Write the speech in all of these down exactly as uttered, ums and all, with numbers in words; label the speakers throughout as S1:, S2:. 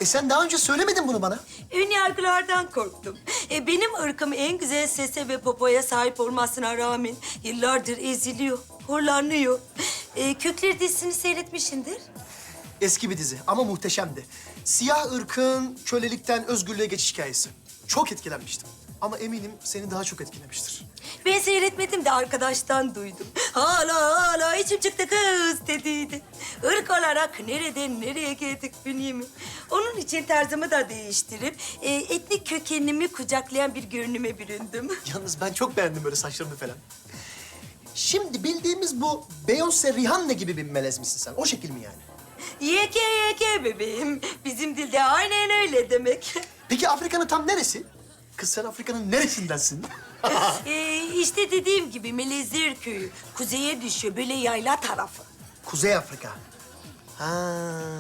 S1: E sen daha önce söylemedin bunu bana.
S2: Ön yargılardan korktum. E, benim ırkım en güzel sese ve popoya sahip olmasına rağmen yıllardır eziliyor, horlanıyor. E, Kökleri dizisini seyretmişsindir.
S1: Eski bir dizi ama muhteşemdi. Siyah ırkın kölelikten özgürlüğe geçiş hikayesi. Çok etkilenmiştim. Ama eminim seni daha çok etkilemiştir.
S2: Ben seyretmedim de arkadaştan duydum. Hala hala içim çıktı kız dediydi. Irk olarak nereden nereye geldik Bünyamin? Onun için tarzımı da değiştirip e, etnik kökenimi kucaklayan bir görünüme büründüm.
S1: Yalnız ben çok beğendim böyle saçlarını falan. Şimdi bildiğimiz bu Beyoncé Rihanna gibi bir melez misin sen? O şekil mi yani?
S2: Yeke yeke bebeğim. Bizim dilde aynen öyle demek.
S1: Peki Afrika'nın tam neresi? Kız sen Afrika'nın neresindensin?
S2: ee, işte dediğim gibi Melezir köyü. Kuzeye düşüyor böyle yayla tarafı.
S1: Kuzey Afrika. Ha.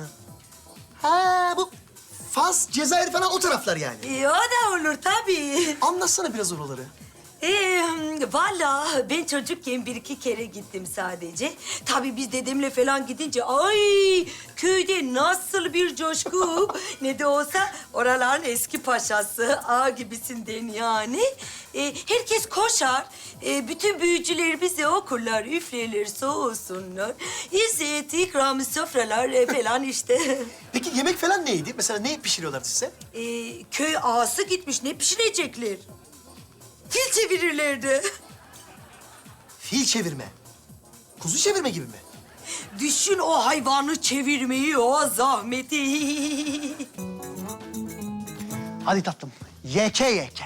S1: Ha bu Fas, Cezayir falan o taraflar yani.
S2: Ee, o da olur tabii.
S1: Anlatsana biraz oraları.
S2: Ee, valla ben çocukken bir iki kere gittim sadece. Tabii biz dedemle falan gidince ay köyde nasıl bir coşku. Ne de olsa oraların eski paşası ağa gibisinden yani. Ee, herkes koşar. Ee, bütün büyücüler bize okurlar, üflerler, soğusunlar. İzzet, ikram, sofralar e, falan işte.
S1: Peki yemek falan neydi? Mesela ne pişiriyorlardı size?
S2: Ee, köy ağası gitmiş, ne pişirecekler? Fil çevirirlerdi.
S1: Fil çevirme. Kuzu çevirme gibi mi?
S2: Düşün o hayvanı çevirmeyi, o zahmeti.
S1: Hadi tatlım. Yeke yeke.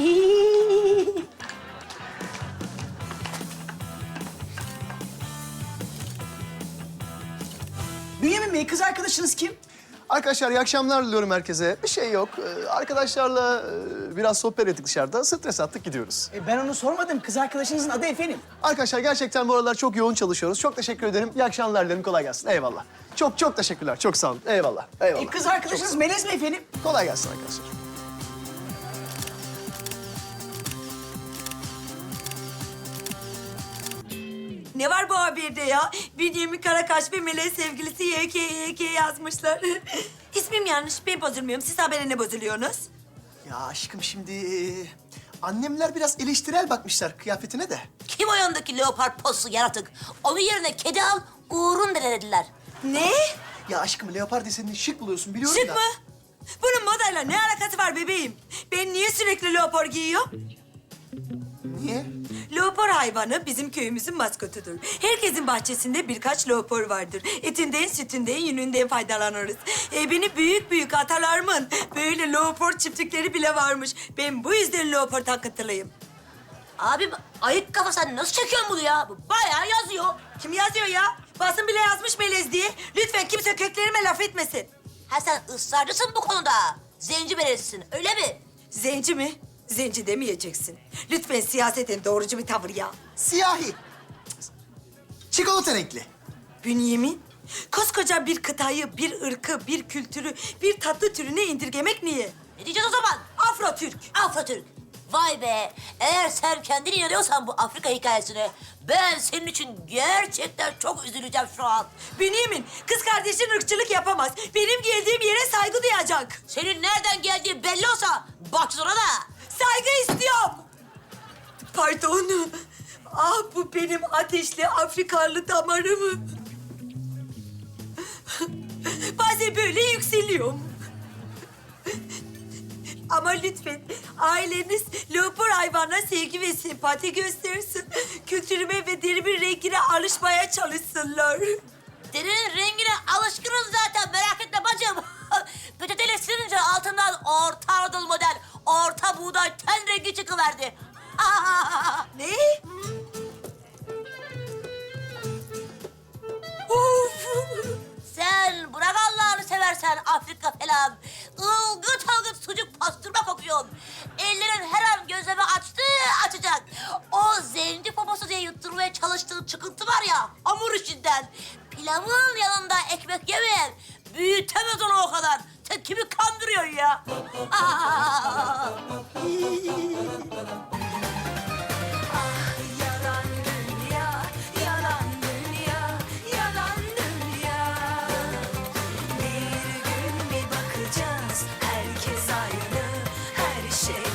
S3: Bünyamin Bey, kız arkadaşınız kim?
S1: Arkadaşlar iyi akşamlar diliyorum herkese. Bir şey yok. Ee, arkadaşlarla e, biraz sohbet ettik dışarıda. Stres attık gidiyoruz.
S3: E, ben onu sormadım. Kız arkadaşınızın adı efendim.
S1: Arkadaşlar gerçekten bu aralar çok yoğun çalışıyoruz. Çok teşekkür ederim. İyi akşamlar dilerim. Kolay gelsin. Eyvallah. Çok çok teşekkürler. Çok sağ olun. Eyvallah. Eyvallah.
S3: E, kız arkadaşınız Melez mi efendim?
S1: Kolay gelsin arkadaşlar.
S2: Ne var bu haberde ya? Bünyamin Karakaş ve Melek sevgilisi Y K Y K yazmışlar. İsmim yanlış, ben bozulmuyorum. Siz habere ne bozuluyorsunuz?
S1: Ya aşkım şimdi e, annemler biraz eleştirel bakmışlar kıyafetine de.
S4: Kim o yandaki leopar postu yaratık? Onun yerine kedi al, Uğur'un dediler.
S2: Ne?
S1: Ya aşkım leopar desenini şık buluyorsun biliyorum
S2: Şık
S1: da.
S2: mı? Bunun modayla ne alakası var bebeğim? Ben niye sürekli leopar giyiyorum?
S1: Niye?
S2: Leopar hayvanı bizim köyümüzün maskotudur. Herkesin bahçesinde birkaç leopar vardır. Etinden, sütünden, yününden faydalanırız. Ee, benim büyük büyük atalarımın böyle leopar çiftlikleri bile varmış. Ben bu yüzden leopar takıntılıyım.
S4: Abi ayık kafa sen nasıl çekiyorsun bunu ya? Bu bayağı yazıyor.
S2: Kim yazıyor ya? Basın bile yazmış melez diye. Lütfen kimse köklerime laf etmesin.
S4: Ha sen ısrarcısın bu konuda. Zenci berelisin öyle mi?
S2: Zenci mi? Zenci demeyeceksin. Lütfen siyaseten doğrucu bir tavır ya.
S1: Siyahi. Çikolata renkli.
S2: Bünyamin, koskoca bir kıtayı, bir ırkı, bir kültürü, bir tatlı türüne indirgemek niye?
S4: Ne diyeceğiz o zaman?
S2: Afro-Türk.
S4: Afro-Türk. Vay be. Eğer sen kendin inanıyorsan bu Afrika hikayesine ben senin için gerçekten çok üzüleceğim şu an.
S2: Bünyamin, kız kardeşin ırkçılık yapamaz. Benim geldiğim yere saygı duyacak.
S4: Senin nereden geldiği belli olsa bak sonra da.
S2: Saygı istiyorum. Pardon. Ah bu benim ateşli Afrikalı damarım. Bazen böyle yükseliyorum. Ama lütfen aileniz leopar hayvanına sevgi ve sempati göstersin. Kültürüme ve derimin rengine alışmaya çalışsınlar.
S4: Derinin rengine alışkınız zaten merak etme bacım. Peçeteyle silince altından Orta Anadolu model, orta buğday ten rengi çıkıverdi.
S2: Ne? Of!
S4: Sen bırak Allah'ını seversen Afrika falan. Ilgıt ılgıt sucuk pastırma kokuyorsun. Ellerin her an gözleme açtı açacak. O zenci poposu diye yutturmaya çalıştığın çıkıntı var ya hamur işinden. Pilavın yanında ekmek yemeyen büyütemez onu o kadar. Sen kimi kandırıyorsun ya?
S2: Yalan dünya, yalan dünya, yalan dünya. Bir gün bir bakacağım. şey.